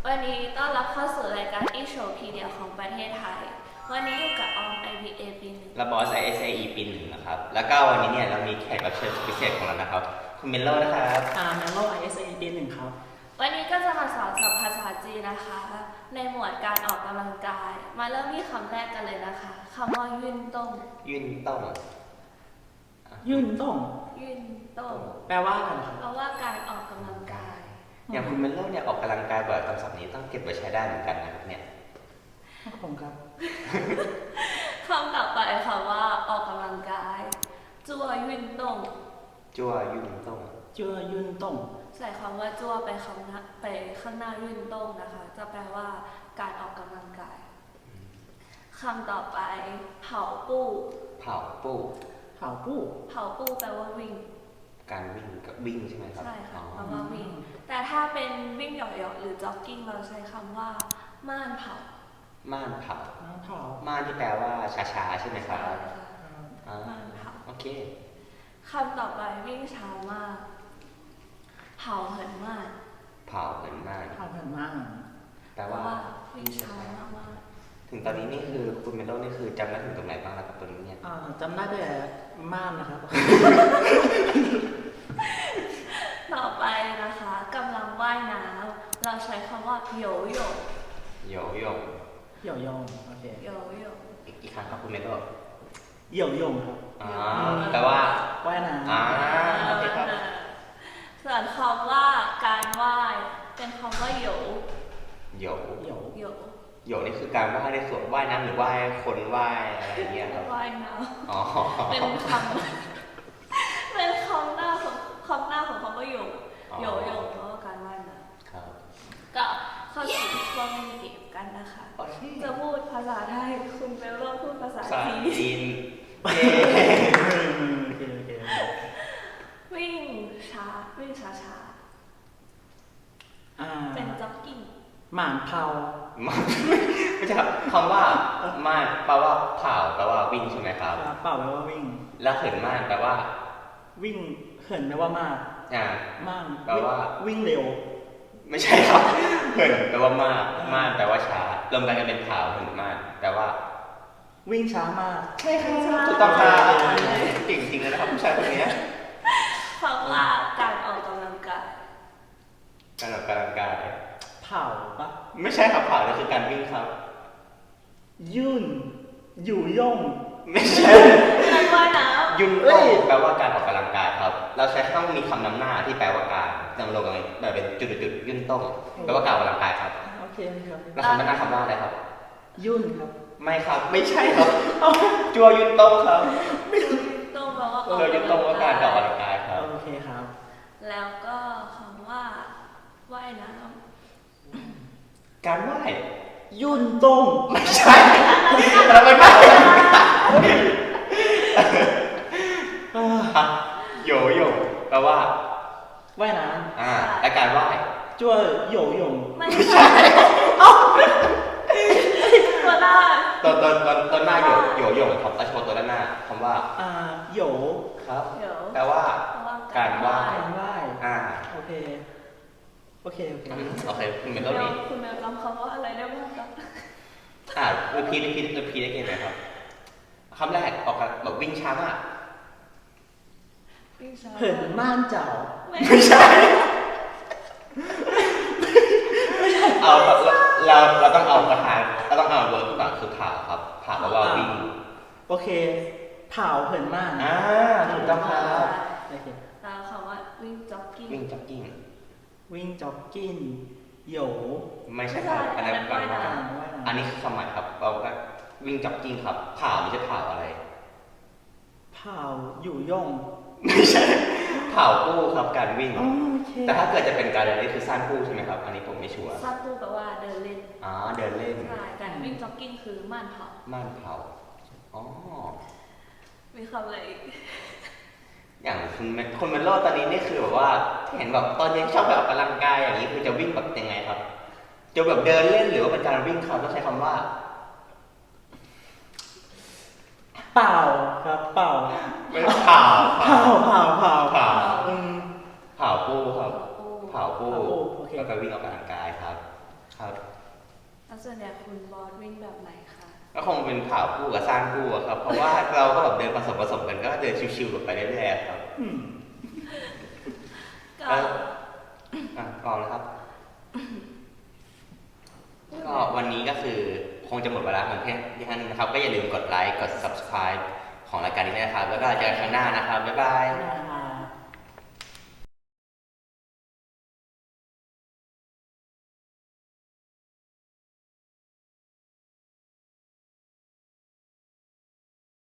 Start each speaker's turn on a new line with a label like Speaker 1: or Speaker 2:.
Speaker 1: วันนี้ต้อนรับเข้าสู่รายการอีโชว์พีเดียของประเทศไทยวันนี้อยู่กับออม IBA ปีหนึ่ง
Speaker 2: และบอส ISAE ปีหนึ่งนะครับแล้วก็วันนี้เนี่ยเรามีแขกรับเชิญพิเศษของเรานะครับคุณเมลโล่นะครับ
Speaker 3: เมลโล่ ISAE ปีหนึ่งครับ
Speaker 1: วันนี้ก็จะมาสอนศัพท์ภาษาจีนนะคะในหมวดการออกกำลังกายมาเริ่มที่คำแรกกันเลยนะคะคำว่ายื่นต้ง
Speaker 2: ยื่นต้อง
Speaker 3: ยื่นต้อง
Speaker 1: ยื่นต้ง
Speaker 3: แปลว่าอะไรครับ
Speaker 1: แปลว่าการออกกำลังกาย
Speaker 2: อย่างคุณเมลโล่เนี่ยออกกำลังกายบ่อยคำศัพท์นี้ต้องเก็บไว้ใช้ได้เหมือนกันนะครับเนี่ย
Speaker 3: ผมครับ
Speaker 1: คำต่อไปคำว่าออกกำลังกายจั่วยื่นต้ง
Speaker 2: จั่วยื่นต้อง
Speaker 3: จั่วยื่นต้อง
Speaker 1: ใส่คำว่าจั่วไปข้างหน้ายื่นต้งนะคะจะแปลว่าการออกกำลังกายคำต่อไปเผาปู้
Speaker 2: เผาปู้
Speaker 3: เผาปู้
Speaker 1: เผาปู้แปลว่าวิ่ง
Speaker 2: การวิ่งกับวิ่งใช่ไหมครับ
Speaker 1: ใช่ค่ะแปลว่าวิ่งแต่ถ้าเป็นวิ่งเหยาะๆหรือจ็อกกิ้งเราใช้คำว่าม่านเผา
Speaker 2: ม่านเผา
Speaker 3: ม่
Speaker 2: านที่แปลว่าช้าๆใช่ไหมครับ
Speaker 1: ม่านเผา
Speaker 2: โอเค
Speaker 1: คำต่อไปวิ่งช้ามากเผาเหินม่าน
Speaker 2: เผาเหินม่านแปลว่า
Speaker 1: วิ่งช้ามาก
Speaker 2: ถึงตอนนี้นี่คือคุณเมลโล่นี่คือจำได้ถึงตรงไหนบ้างแล้วกับตัวนี้เนี่ย
Speaker 3: จำได้แต่ม่านนะครับ
Speaker 1: ต่อไปนะคะกำลังว่ายน้ำเราใช้คำว่าโยโย่
Speaker 2: โยโย่
Speaker 3: โยโย่โอเค
Speaker 1: โยโย่
Speaker 2: อีกครั้งครับคุณเมลโล่
Speaker 3: โยโย่ครับ
Speaker 2: แปลว่า
Speaker 3: ว่ายน้
Speaker 2: ำโอเคครับ
Speaker 1: ส่วนคำว่าการว่ายเป็นคำว่าโย
Speaker 2: โย
Speaker 1: โย
Speaker 2: โยนี่คือการว่ายในส่วนว่ายน้ำหรือว่ายคนว่ายอะไรอย่างเงี้ยครับ
Speaker 1: ว่ายน้ำเป็นคำหน้าของคำว่าโยเพราะว่าการว่ายน้ำก็เข้าสู่ช่วงเล่นเกมกันนะคะจะพูดภาษาไทยคุณเบลโล่พูดภาษาจีนวิ่งช้าเป็นจ็อกกิ้ง
Speaker 3: หม่านเผา
Speaker 2: ไม่ใช่ครับคำว่าม่านแปลว่าเผาแปลว่าวิ่งใช่ไหมครับ
Speaker 3: เผาแปลว่าวิ่ง
Speaker 2: แล้วเหินม่านแปลว่า
Speaker 3: วิ่งเหินแปลว่ามากม่าน
Speaker 2: แปลว่า
Speaker 3: วิ่งเร็ว
Speaker 2: ไม่ใช่ครับเหินแปลว่ามากม่านแปลว่าช้ารวมกันเป็นเผาเหินม่านแปลว่า
Speaker 3: วิ่งช้ามาก
Speaker 2: ใช่ครับถูกต้องครับจริงๆเลยนะครับผู้ชายคนนี้
Speaker 1: คำว่าการออกกำลังกาย
Speaker 3: เผาปะ
Speaker 2: ไม่ใช่ครับเผานี่คือการวิ่งครับ
Speaker 3: ยุ่นอยู่ย่ง
Speaker 2: ไม่ใช่
Speaker 1: การว่ายน้
Speaker 2: ำยุ่นต้งแปลว่าการออกกำลังกายครับเราใช้ต้องมีคำนำหน้าที่แปลว่าการดำรงอะไรแบบเป็นจุดยุ่นต้งแปลว่าการออกกำลังกายครับ
Speaker 3: โอเคครับ
Speaker 2: แล้วคำนำหน้าคำว่าอะไรครับ
Speaker 3: ยุ่นครับ
Speaker 2: ไม่ครับไม่ใช่ครับจัวยุ่นต้งครับ
Speaker 1: ต้งแปลว่า
Speaker 2: จัวยุ่นต้งว่าการออกกำลังกายครับ
Speaker 3: โอเคครับ
Speaker 1: แล้วก็คำว่าว่ายน้ำ
Speaker 2: การว่าย
Speaker 3: ยุ่นต้ง
Speaker 2: ไม่ใช่แล้วไม่ได้โยโย่แปลว่า
Speaker 3: ว่ายน้
Speaker 2: ำและการว่าย
Speaker 3: จั่วโยโย่
Speaker 1: ไม่ใช่ตัวหน้า
Speaker 2: ตัวหน้าโยโย่ครับโชว์ตัวด้านหน้าคำว่า
Speaker 3: โย
Speaker 2: ครับแปลว่าการว่าย
Speaker 3: โอเค
Speaker 2: คุณเมลโล่นี้
Speaker 1: คุณเมลจำคำว่าอะไรได้บ้างครับ
Speaker 2: รีพีได้กี่ไหมครับคำแรกออกแบบวิ่งช้ามาก
Speaker 3: เหินม่านเจ้า
Speaker 2: ไม่ใช่เราต้องเอาประธานเราต้องเอาเวิร์บก่อนคือผ่าครับผ่าแปลว่าวิ่ง
Speaker 3: โอเคเผาเหินม่าน
Speaker 2: ถูกต้องครับ
Speaker 1: แล้วคำว่าวิ่งจ็อกกิ้ง
Speaker 3: วิ่งจ็อกกิ้งโย
Speaker 2: ไม่ใช่ครับอันนั้นก่อนว่าอันนี้คือคำหมายครับเราก็วิ่งจ็อกกิ้งครับผ่าไม่ใช่ผ่าอะไร
Speaker 3: ผ่าอยู่ย่อง
Speaker 2: ไม่ใช่ผ่าปู้ครับการวิ่งแต่ถ้าเกิดจะเป็นการเดินเล่นคือสั้นปู้ใช่ไหมครับอันนี้ผมไม่ชัวร์
Speaker 1: สั้นปู้แปลว่าเดินเล่น
Speaker 2: เดินเล่น
Speaker 1: ใช่การวิ่งจ็อกกิ้งคือม่านเผามีคำอะไรอีก
Speaker 2: อย่างคุณเมลโล่ตอนนี้นี่คือแบบว่าเห็นแบบตอนนี้ชอบแบบออกกำลังกายอย่างนี้คือจะวิ่งแบบยังไงครับจะแบบเดินเล่นหรือว่าเป็นการวิ่งครับต้องใช้คำว่า
Speaker 3: เปล่าครับเปล่า
Speaker 2: ไม่เผา
Speaker 3: ปู
Speaker 2: ครับเผาปูแล้วก็วิ่งออกกำลังกายครับครับ
Speaker 1: แล้วส่วนใหญ่คุณบอสวิ่งแบบไหนคะ
Speaker 2: ก็คงเป็นผ่าคู่กับสร้างคู่อะครับ เพราะว่าเราก็แบบเดินผสมกันก็เดินชิวๆไปเรื่อยๆครับ
Speaker 1: ก็
Speaker 2: ต่อเลยครับ ก็วันนี้ก็คือคงจะหมดเวลาของที่ท่านนะครับ ก็อย่าลืมกดไลค์กด subscribe ของรายการนี้นะครับ แล้วก็เจอกันครั้งหน้านะครับ บ๊ายบาย